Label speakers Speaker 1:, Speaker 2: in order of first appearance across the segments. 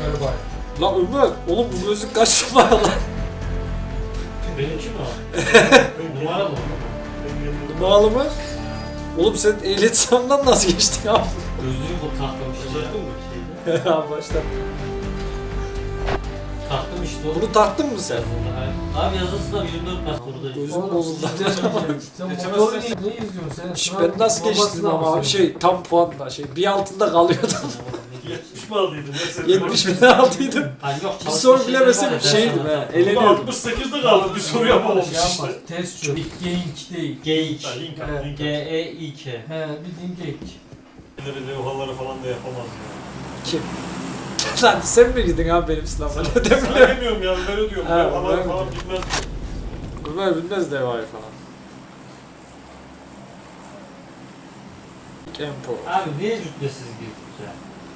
Speaker 1: Ömer'i bay.
Speaker 2: La Ömer, oğlum bu gözlük kaç numara lan?
Speaker 3: Benimki mi o? Numara mı?
Speaker 2: Numaralı mı? Oğlum sen ehliyet sınavından nasıl geçtin abi?
Speaker 3: Gözlüğü bu taktım işte. Taktım mı?
Speaker 2: Ya başla.
Speaker 3: Taktım işte oğlum.
Speaker 2: Bunu taktın mı sen?
Speaker 3: Abi yazısı da 24 pastorda.
Speaker 2: Gözüm bozuldu.
Speaker 1: Sen motoru ne izliyorsun sen?
Speaker 2: Şş, ben nasıl geçtim ama abi şey tam puanla bir altında kalıyordum.
Speaker 4: 70 mi aldıydın?
Speaker 2: 70 bin aldıydım.
Speaker 3: Hani yok,
Speaker 2: Bir soru bilemesem şeydim he. Eleniyordum.
Speaker 4: 68'de kaldı. Bir soru yapamamış işte.
Speaker 1: Test çöp. Geyik değil.
Speaker 3: Geyik.
Speaker 4: Link at, link at.
Speaker 3: G-E-İ-K.
Speaker 1: He bildiğin geyik.
Speaker 4: Levhaları falan da yapamaz ya.
Speaker 2: Kim? Lan sen mi gidin abi benim sınavıma? Ne
Speaker 4: Sana
Speaker 2: demiyorum.
Speaker 4: demiyorum yani ben ödüyorum.
Speaker 2: Ha,
Speaker 4: Levhalar
Speaker 2: ben
Speaker 4: falan
Speaker 2: ödüyorum.
Speaker 4: bilmez.
Speaker 2: Ömer bilmez devayı falan. Empo.
Speaker 3: Abi niye rütbesiz girdik ya?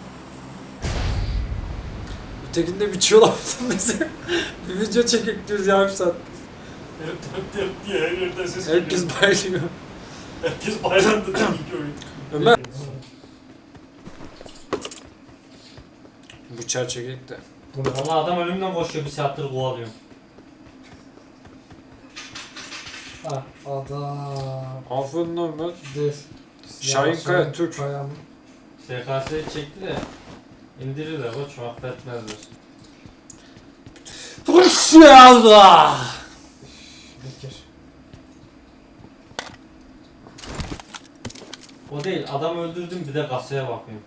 Speaker 2: Ötekinde biçiyorlar bizi. Bir video çekik diyoruz yarım saat.
Speaker 4: Hep diye her yerden ses geliyor.
Speaker 2: Herkes bayılıyor.
Speaker 4: Herkes bayramda tabii ki oyun.
Speaker 2: Ömer. Bıçağı çekik de.
Speaker 3: Valla adam önümden koşuyor, bir saattir kovalıyorum.
Speaker 1: Ha adam.
Speaker 2: Aferin lan Ömer.
Speaker 1: Des.
Speaker 2: Şahin Kaya, Türk.
Speaker 1: Kaya mı?
Speaker 3: SKS'yi çekti de indirirler koç, affetmezler.
Speaker 2: Allah!
Speaker 1: Bekir.
Speaker 3: O değil, adam öldürdüm bir de kasaya bakıyorum.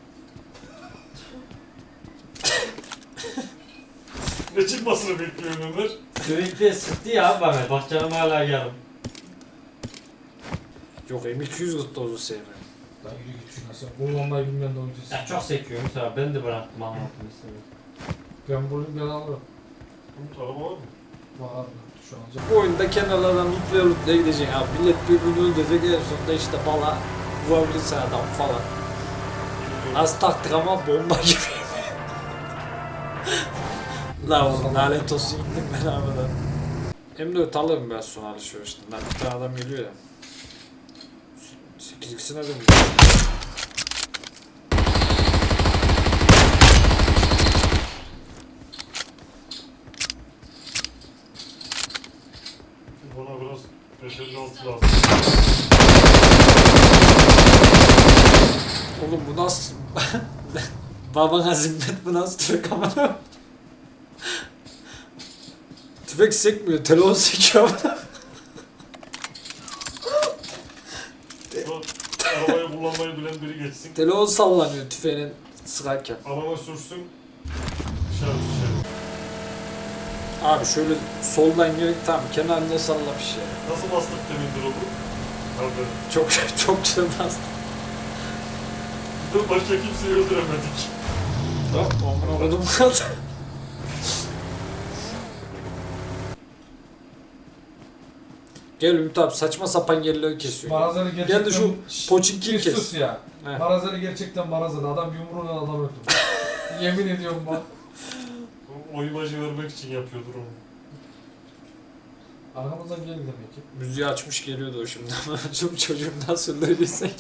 Speaker 4: Ne çıkmasını bekliyorum Ömer?
Speaker 3: Sürekli sıktı ya abi bana, bak canım hala yarım.
Speaker 2: Yok M200 tuttu o sevmiyorum.
Speaker 1: Lan yürü git şuna sen. Kullanmayı bilmeyen de oyuncusun.
Speaker 3: Ya çok sekiyor mesela, ben de bıraktım anlatım istedim.
Speaker 1: Ben bunu ben alırım.
Speaker 4: Umut araba var mı?
Speaker 1: Var şu an.
Speaker 2: Bu oyunda kenarlardan lootlaya gidecek abi. Millet birbirini öldürecek en sonunda işte bala vurabilirse adam falan. Az taktik ama bomba gibi. La oğlum lanet olsun indim ben arabadan. M4 alırım biraz sonra alışverişten. Lan bir tane adam geliyor ya. 8x'ine dönüyor.
Speaker 4: Bana biraz 556 lazım.
Speaker 2: Oğlum bu nasıl... Babana zimmet bu nasıl tüfek amına? Tüfek sekmiyor, telefon sekiyor amına.
Speaker 4: Arabayı kullanmayı bilen biri geçsin.
Speaker 2: Telefon sallanıyor tüfeğinin sıkarken.
Speaker 4: Araba sürsün. Dışarı.
Speaker 2: Abi şöyle soldan gel, tamam kenarında salla bir şey.
Speaker 4: Nasıl bastık demin drop'u? Abi.
Speaker 2: Çok güzel bastı.
Speaker 4: Başka kimseyi öldüremedik.
Speaker 2: Tamam, amına kodum kaldı. Gel Ümit abi saçma sapan yerleri kesiyor.
Speaker 1: Marazeli gerçekten...
Speaker 2: Gel de şu Pochinki'yi
Speaker 1: Bir
Speaker 2: kes.
Speaker 1: sus ya.
Speaker 2: He.
Speaker 1: Marazeli gerçekten marazeli. Adam yumruğuyla adam öldürdü. Yemin ediyorum bak.
Speaker 4: O imajı vermek için yapıyordur onu.
Speaker 1: Arkamızdan geldi demek ki.
Speaker 2: Müziği açmış geliyordu o şimdi ama çok çocuğum nasıl öldürdüysek.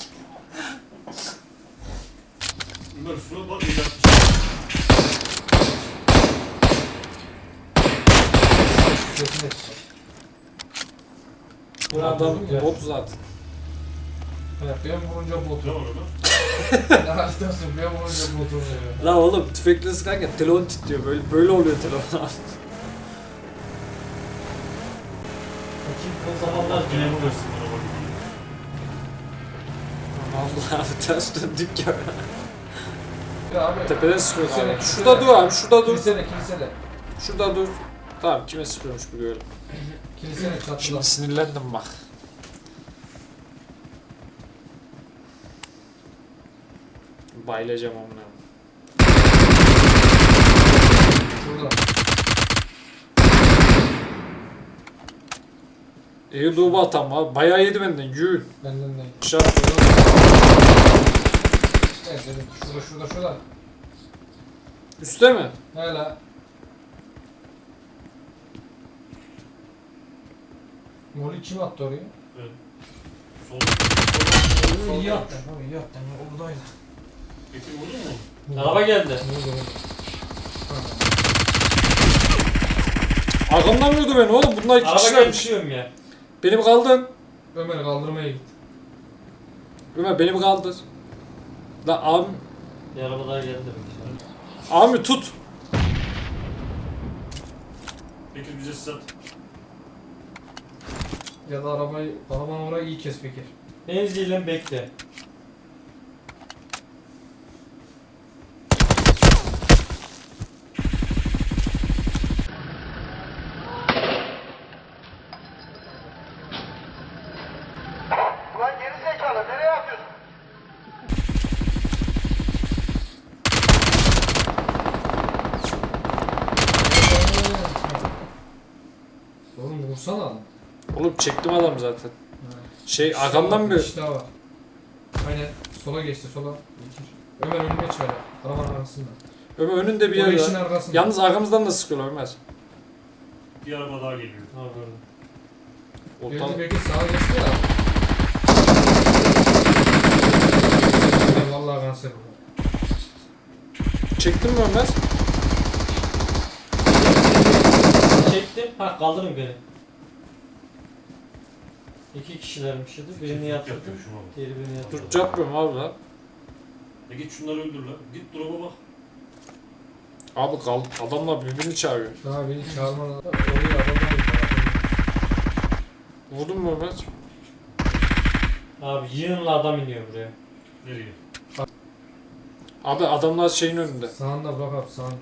Speaker 4: Ömer şuna bak yapmış.
Speaker 1: Sesini etsin.
Speaker 2: Bu adam bot zaten.
Speaker 1: Evet, ben vurunca
Speaker 4: Ne
Speaker 1: botu.
Speaker 4: var Ömer?
Speaker 1: Ne haritasın, ben vurunca botu.
Speaker 2: La oğlum tüfekle sıkarken telefon titriyor böyle oluyor telefon abi.
Speaker 3: O zamanlar
Speaker 4: Yine
Speaker 3: dönem
Speaker 4: bu versin araba gibi.
Speaker 2: Allah abi ters döndük ya.
Speaker 1: Ya abi.
Speaker 2: Tepeden sıkıyor
Speaker 1: Kilisene,
Speaker 2: abi.
Speaker 1: kilisene.
Speaker 2: Şurada dur abi şurada dur.
Speaker 1: Kilisene.
Speaker 2: Şurada dur. Tamam kime sıkıyormuş bu görelim.
Speaker 1: Kilisene çatıda.
Speaker 2: Şimdi sinirlendim bak. Bayılacağım onunla.
Speaker 1: Şurada.
Speaker 2: İyi doğu atam abi. Bayağı yedi benden. Yün.
Speaker 1: Benden değil.
Speaker 2: Şart.
Speaker 1: Evet dedim. Şurada.
Speaker 2: Üste mi?
Speaker 1: Hele. Molly kim attı oraya?
Speaker 4: Evet. Sol.
Speaker 1: İyi attın. İyi attın. Oradaydı.
Speaker 4: Peki vurdun mu?
Speaker 3: Araba geldi.
Speaker 1: Ne oldu?
Speaker 2: Arkamdan vurdu beni oğlum. Bunlar iki
Speaker 3: Araba
Speaker 2: kişilermiş.
Speaker 3: geçiyorum ya.
Speaker 2: Benim kaldın.
Speaker 1: Ömer kaldırmaya git.
Speaker 2: Ömer benim kaldır. La abi,
Speaker 3: Bir araba daha geldi demek ki.
Speaker 2: abi tut.
Speaker 4: Bekir bize sat.
Speaker 1: Ya da arabanın orayı iyi kes Bekir.
Speaker 3: Benziyle bekle.
Speaker 5: Ulan geri zekalı nereye atıyorsun?
Speaker 1: Oğlum vursana adam.
Speaker 2: Oğlum çektim adam zaten.
Speaker 1: Ha.
Speaker 2: Şey
Speaker 1: İşte
Speaker 2: arkamdan
Speaker 1: var,
Speaker 2: bir...
Speaker 1: İşte var. Aynen sola geçti sola. Bekir. Ömer önüme çıkacak. Arabanın arkasında.
Speaker 2: Ömer önünde bir
Speaker 1: O
Speaker 2: yer
Speaker 1: eşin
Speaker 2: var.
Speaker 1: arkasında.
Speaker 2: Yalnız arkamızdan da sıkıyorlar Ömer.
Speaker 4: Bir araba daha geliyor.
Speaker 3: Ha gördüm.
Speaker 2: Ortam...
Speaker 1: Geldi Bekir sağa geçti ya. Vallahi kanser bu.
Speaker 2: Çektin mi Ömer?
Speaker 3: Çektim. Ha kaldırın beni. İki kişilermiş idi. Birini
Speaker 4: Çiftlik
Speaker 3: yatırdım.
Speaker 4: yapıyor şuna bak.
Speaker 3: Diğeri birini yatırdım.
Speaker 2: Dur yapmıyorum abi lan.
Speaker 4: Git şunları öldür lan. Git drop'a bak.
Speaker 2: Abi kal, adamlar birbirini çağırıyor.
Speaker 1: Daha beni çağırmadan oraya adamlar gidiyor.
Speaker 2: Vurdun mu Ömer?
Speaker 3: Abi yığınla adam iniyor buraya.
Speaker 4: Nereye?
Speaker 2: Abi adamlar şeyin önünde.
Speaker 1: Sağında bırak abi sağında.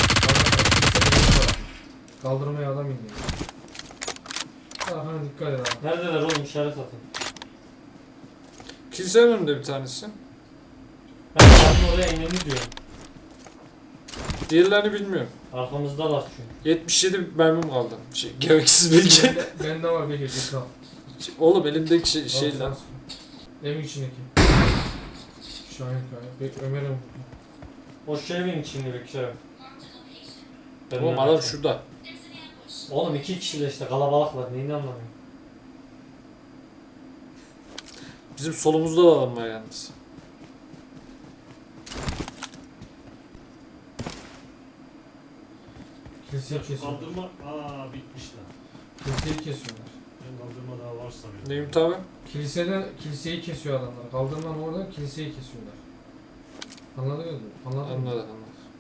Speaker 1: Kaldırmaya adam indi. Arkana dikkat et abi.
Speaker 3: Neredeler oğlum işaret atın.
Speaker 2: Kilisenin önünde bir tanesi.
Speaker 3: Ben adamın oraya ineni diyorum.
Speaker 2: Diğerlerini bilmiyorum.
Speaker 3: Arkamızdalar çünkü.
Speaker 2: 77 mermim kaldı. Şey, gereksiz bilgi.
Speaker 1: Bende var Bekir getir al.
Speaker 2: Oğlum elimdeki şey
Speaker 1: Al,
Speaker 2: lan.
Speaker 1: al. Evin içindeki. Şahin Kaya. Ömer'im.
Speaker 3: O şu evin içinde bekliyorum. Ben
Speaker 2: Oğlum
Speaker 3: de
Speaker 2: adam
Speaker 3: bakıyorum.
Speaker 2: şurada.
Speaker 3: Oğlum iki kişiyle işte kalabalıklar neyini anlamıyorum.
Speaker 2: Bizim solumuzda da adam var yalnız.
Speaker 1: Kiliseyi kesiyorlar.
Speaker 4: Kaldırma. Bitmiş lan.
Speaker 1: Kiliseyi kesiyorlar.
Speaker 4: Ben kaldırma daha var sanıyorum.
Speaker 2: Neyim tabi?
Speaker 1: Kiliseyi kesiyor adamlar. Kaldırman orada kiliseyi kesiyorlar. Anladınız mı? Anladın mı?
Speaker 2: Anladım.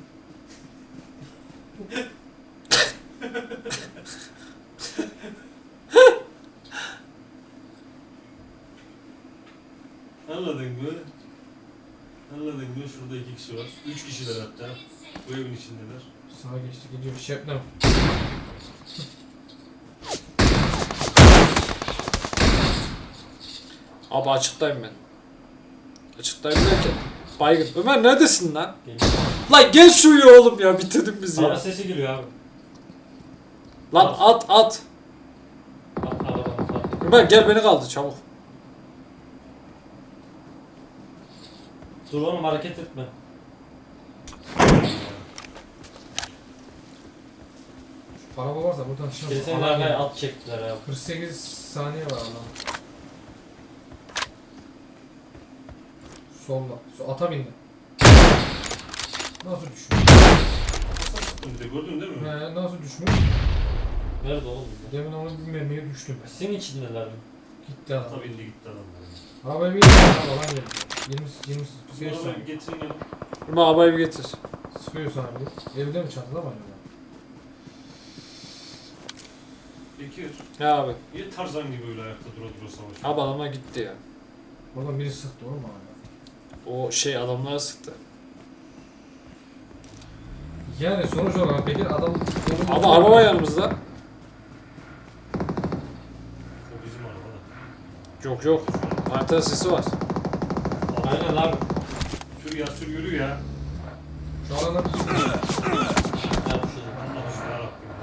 Speaker 4: Anladın mı? Anladın mı? Şurada iki kişi var. Üç kişiler hatta. Bu evin içindeler.
Speaker 1: Sağa geçti gidiyor. Şebnem.
Speaker 2: Abi açıktayım ben. Açıktayım derken. Baygın. Ömer neredesin lan?
Speaker 3: Geliyor.
Speaker 2: Lan gel şuraya oğlum ya bitirdin bizi
Speaker 3: Araba
Speaker 2: ya.
Speaker 3: sesi geliyor abi.
Speaker 2: Lan at.
Speaker 3: Arabanın zaten.
Speaker 2: Ömer gel beni kaldır çabuk.
Speaker 3: Dur oğlum hareket etme.
Speaker 1: Araba varsa buradan çıkar.
Speaker 3: Kilisenin arkaya at çektiler abi.
Speaker 1: 48 saniye var Allah'ım. Solda. Ata bindi. Nasıl düşmüş?
Speaker 4: Bir de gördün değil mi?
Speaker 1: Nasıl düşmüş?
Speaker 3: Nerede oğlum?
Speaker 1: Demin onu bilmemeye düştüm ben.
Speaker 3: Senin içindeler mi?
Speaker 1: Gitti adam.
Speaker 4: Tabii indi gitti adam.
Speaker 1: Arabaya bir falan geldi. 20
Speaker 4: Bizim arabayı
Speaker 1: saniye.
Speaker 4: bir getirin ya.
Speaker 2: Ömer arabayı bir getir.
Speaker 1: Sıkıyor sana bir. Evde mi çatıda mı acaba?
Speaker 4: Bekir.
Speaker 2: Ya abi.
Speaker 4: Niye Tarzan gibi öyle ayakta dura savaşıyor?
Speaker 2: Abi adamlar gitti ya.
Speaker 1: Oradan biri sıktı oğlum hala.
Speaker 2: O şey adamlara sıktı.
Speaker 1: Yani sonuç olarak Bekir adam...
Speaker 2: Ama araba var yanımızda.
Speaker 4: O bizim araba da.
Speaker 2: Yok. Harita sesi var.
Speaker 3: Aynen abi.
Speaker 4: Sür ya sür yürü ya.
Speaker 1: Şu alana
Speaker 3: Ben bir şey diyeyim.
Speaker 4: Allah şu yarabbim.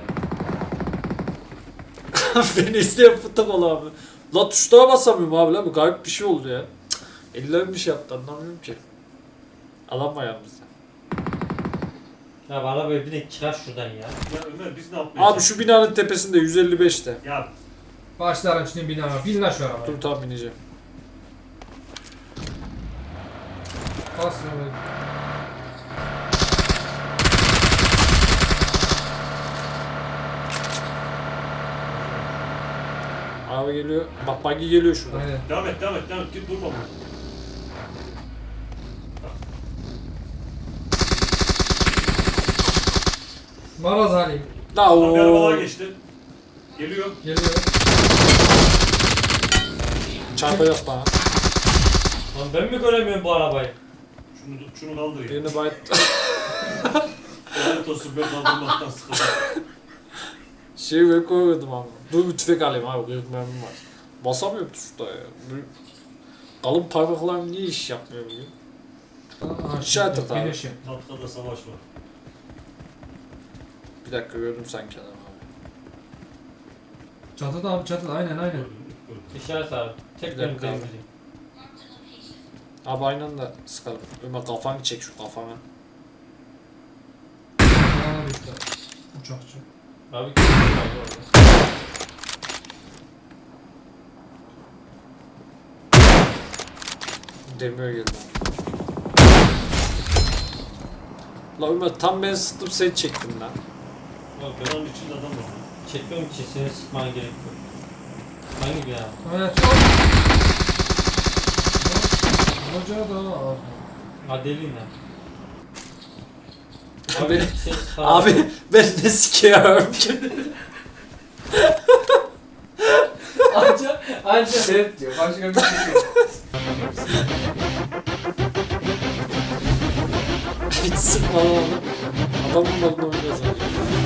Speaker 4: Ya Resulallah.
Speaker 2: Beni isteyen fıtık ol abi. La tuşlara basamıyorum abi lan bu garip bir şey oldu ya. Ellerim bir şey yaptı anlamıyorum ki. Adam var yanımızda.
Speaker 3: Ya bana böyle bir de çıkar şuradan ya.
Speaker 4: Ya Ömer biz ne yapmaya
Speaker 2: Abi şu
Speaker 4: çalışıyoruz?
Speaker 2: binanın tepesinde 155'te.
Speaker 4: Ya
Speaker 1: başlarım şimdi bina. Bin lan şu arabaya.
Speaker 2: Dur tam bineceğim.
Speaker 1: Bas Mehmet.
Speaker 2: Araba geliyor. Bak buggy geliyor şuradan.
Speaker 1: Aynen.
Speaker 4: Devam et. Git durma burada.
Speaker 1: Maraz Ali.
Speaker 2: La
Speaker 4: Tam bir araba daha
Speaker 2: o.
Speaker 4: geçti. Geliyor.
Speaker 1: Geliyor.
Speaker 2: Çarpacak bana.
Speaker 3: Lan ben mi göremiyorum bu arabayı?
Speaker 4: Şunu kaldır ya.
Speaker 2: Birini bayıt.
Speaker 4: Lanet olsun ben kaldırmaktan sıkıldım.
Speaker 2: Şey ben koymadım ama. Dur bir tüfek alayım abi. Kıyık mermim var. Basamıyorum tuşta ya. Kalın parmaklarım niye iş yapmıyor bugün? İşaret at abi.
Speaker 1: Finish'im.
Speaker 4: Tatkada savaş var.
Speaker 2: Bir dakika gördüm sanki adamı abi.
Speaker 1: Çatıda abi çatıda aynen.
Speaker 4: Gördüm.
Speaker 3: İşaret abi. Tek
Speaker 2: Bir
Speaker 3: benim
Speaker 2: dakika abi.
Speaker 3: temizliğim.
Speaker 2: Abi aynı anda sıkalım. Ömer kafanı çek şu kafana.
Speaker 1: Bana düştü. Uçakçı.
Speaker 3: Abi kim var orada?
Speaker 2: Demiyor geldi abi. La Ömer tam ben sıktım seni çektim lan.
Speaker 3: Yok yok.
Speaker 4: Binanın içinde adam var.
Speaker 3: Çekmiyorum ki seni sıkman gerek yok. Hangi bina?
Speaker 1: Evet. Hoca da var.
Speaker 3: Adelina.
Speaker 2: Abi,
Speaker 3: seni sıkar-
Speaker 2: abi ben ne sikiyorum ki?
Speaker 1: Anca seyret diyor. Başka bir şey yok.
Speaker 2: Hiç sıkma lan oğlum. Adamın malını oynayacağız abi.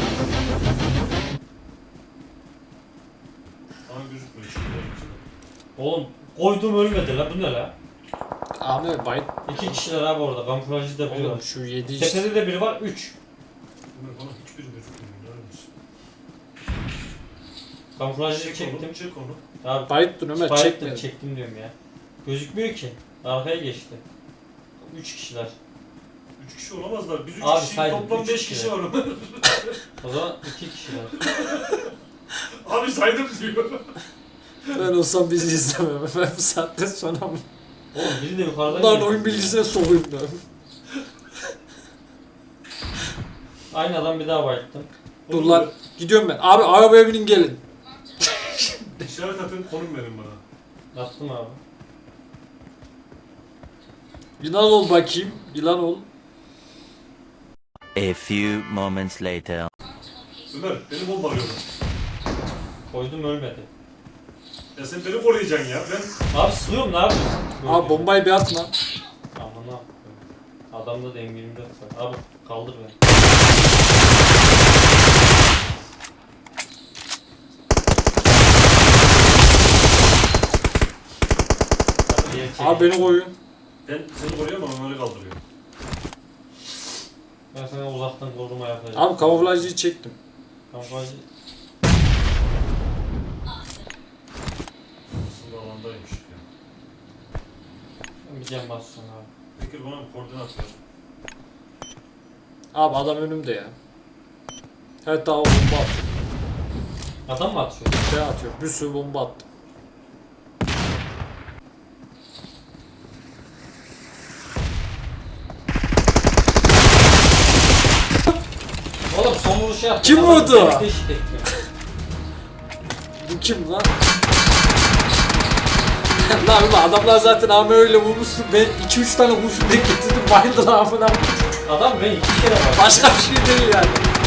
Speaker 4: Ama gözükmüyor şimdi.
Speaker 3: Oğlum koydum ölmedi la bu ne la?
Speaker 2: Abi bayit.
Speaker 3: 2 kişiler abi orada kamuflajcı da biri
Speaker 2: Oğlum
Speaker 3: var.
Speaker 2: şu 7 işte.
Speaker 3: Tepede de biri var 3.
Speaker 4: Ömer bana hiçbir gözükmüyor. Neler misin?
Speaker 3: Kamuflajcı çektim.
Speaker 4: Çek onu.
Speaker 3: Abi
Speaker 2: Bayit dur Ömer
Speaker 3: Bayettim,
Speaker 2: çekme.
Speaker 3: çektim diyorum ya. Gözükmüyor ki. Arkaya geçti. 3 kişiler.
Speaker 4: 3 kişi olamazlar. Biz 3
Speaker 3: Abi
Speaker 4: kişi
Speaker 3: saydım,
Speaker 4: toplam
Speaker 3: üç
Speaker 4: 5
Speaker 3: kişi.
Speaker 4: kişi var.
Speaker 3: O zaman 2 kişiler.
Speaker 4: Abi saydım diyor.
Speaker 2: Ben olsam bizi izlemem. Ben bu saatten sonra mı?
Speaker 3: Oğlum biri de yukarıdan
Speaker 2: Lan
Speaker 3: geliyor.
Speaker 2: oyun bilgisine sokayım da.
Speaker 3: Aynı adam bir daha bayılttım.
Speaker 2: Dur lan. Gidiyorum ben. Abi arabaya binin gelin.
Speaker 4: İşaret atın konum verin bana.
Speaker 3: Attım abi.
Speaker 2: Yılan ol bakayım. Yılan ol.
Speaker 6: A few moments later.
Speaker 4: Ömer beni bombalıyorlar.
Speaker 3: Koydum ölmedi.
Speaker 4: Ya sen beni koruyacaksın ya. Ben
Speaker 3: Abi sıkıyorum ne yapıyorsun?
Speaker 2: Abi bombayı bir atma.
Speaker 3: Aman ne yapıyorum? Adamda da M24 var. Abi kaldır beni.
Speaker 2: Abi beni koyun.
Speaker 4: Ben seni koruyorum ama Ömer'i kaldırıyorum.
Speaker 3: Ben sana uzaktan koruma yapacağım.
Speaker 2: Abi kamuflajcıyı çektim.
Speaker 3: Kamuflajcı.
Speaker 4: Aslında alandaymış ya.
Speaker 3: Ben bir cam basacağım abi.
Speaker 4: Bekir bana bir koordinat ver.
Speaker 2: Abi adam önümde ya. Evet daha bomba atıyor.
Speaker 3: Adam mı atıyor?
Speaker 2: Şey atıyor. Bir sürü bomba attım.
Speaker 3: Oğlum son vuruşu yaptı.
Speaker 2: Kim
Speaker 3: Adam
Speaker 2: vurdu?
Speaker 3: beni teşhis etti.
Speaker 2: Bu kim lan? Lan ulan adamlar zaten abi öyle vurmuşsun. Ben 2-3 tane kurşun denk getirdim. Bayıldılar amına.
Speaker 3: Adam beni 2 kere var.
Speaker 2: Başka bir şey değil yani.